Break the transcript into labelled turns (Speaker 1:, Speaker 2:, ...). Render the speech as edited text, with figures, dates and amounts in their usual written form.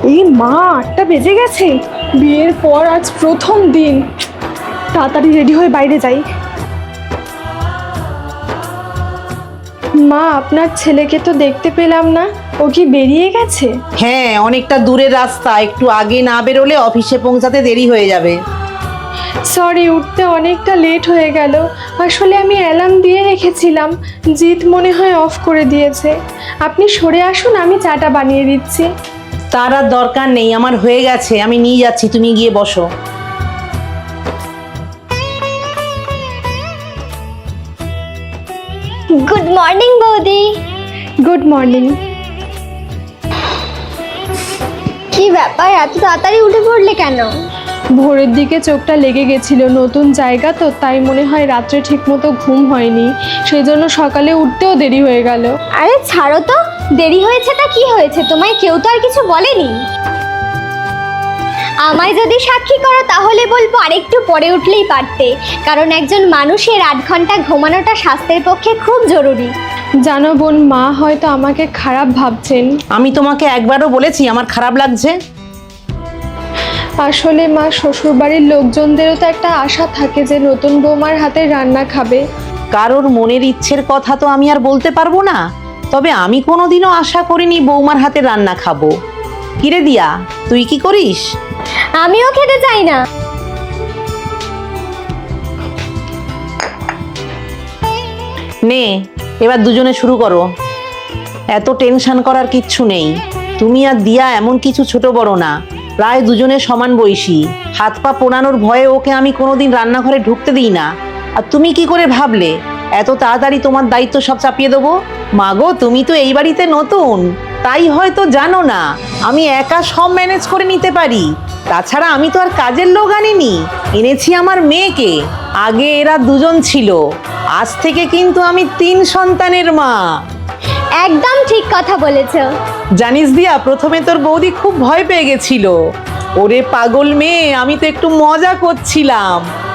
Speaker 1: এই মা, 8টা বেজে গেছে। বিয়ের পর আজ প্রথম দিন। তাড়াতাড়ি রেডি হয়ে বাইরে যাই। মা, আপনার ছেলেকে তো দেখতে পেলাম না, ও কি বেরিয়ে গেছে?
Speaker 2: হ্যাঁ, অনেকটা দূরের রাস্তা, একটু আগে না বেরোলে অফিসে পৌঁছাতে দেরি হয়ে যাবে।
Speaker 1: সরি, উঠতে অনেকটা লেট হয়ে গেল। আসলে আমি অ্যালার্ম দিয়ে রেখেছিলাম, জিৎ মনে হয় অফ করে দিয়েছে। আপনি সরে আসুন, আমি চাটা বানিয়ে দিচ্ছি।
Speaker 2: তার আর দরকার নেই, আমার হয়ে গেছে, আমি নিয়ে যাচ্ছি, তুমি গিয়ে বসো।
Speaker 3: গুড মর্নিং বৌদি।
Speaker 1: Good morning.
Speaker 3: কি ব্যাপার, এত তাড়াতাড়ি উঠে পড়লে কেন?
Speaker 1: ভোরের দিকে চোখটা লেগে গেছিল, নতুন জায়গা তো, তাই মনে হয় রাত্রে ঠিকমতো ঘুম হয়নি, সেই জন্য সকালে উঠতেও দেরি হয়ে গেল।
Speaker 3: আরে ছাড়ো তো, দেরি হয়েছে তা কি হয়েছে, তোমায় কেউ তো আর কিছু বলেনি। আমায় যদি সাক্ষী করো তাহলে বলবো আরেকটু পরে উঠলেই পারতে, কারণ একজন মানুষের 8 ঘন্টা ঘুমানোটা স্বাস্থ্যের পক্ষে খুব জরুরি।
Speaker 1: জানো বোন, মা হয়তো আমাকে খারাপ ভাবছেন।
Speaker 2: আমি তোমাকে একবারও বলেছি আমার খারাপ লাগছে?
Speaker 1: আসলে মা, শ্বশুরবাড়ির লোকজনদেরও তো একটা আশা থাকে যে নতুন বৌমার হাতে রান্না খাবে।
Speaker 2: কারোর মনের ইচ্ছের কথা তো আমি আর বলতে পারবো না, তবে আমি কোনোদিনও আশা করিনি বৌমার হাতে রান্না খাবো। কিরে দিয়া, তুই কি করিস?
Speaker 3: আমিও খেতে চাই না।
Speaker 2: নে, এবার দুজনে শুরু করো। এত টেনশন করার কিচ্ছু নেই। তুমি আর দিয়া এমন কিছু ছোট বড় না, প্রায় দুজনে সমান বয়সী। হাত পা পোড়ানোর ভয়ে ওকে আমি কোনোদিন রান্নাঘরে ঢুকতে দিই না। আর তুমি কি করে ভাবলে এত তাড়াতাড়ি তোমার দায়িত্ব সব চাপিয়ে দেবো? মাগো, তুমি তো এই বাড়িতে নতুন, তাই হয়তো জানো না আমি একা সব ম্যানেজ করে নিতে পারি। তাছাড়া আমি তো আর কাজের লোক আনিনি, এনেছি আমার মেয়েকে। আগে এরা দুজন ছিল, আজ থেকে কিন্তু আমি 3 সন্তানের মা।
Speaker 3: একদম ঠিক কথা বলেছো।
Speaker 2: জানিস দিয়া, প্রথমে তোর বৌদি খুব ভয় পেয়ে গেছিল। ওরে পাগল মেয়ে, আমি তো একটু মজা করছিলাম।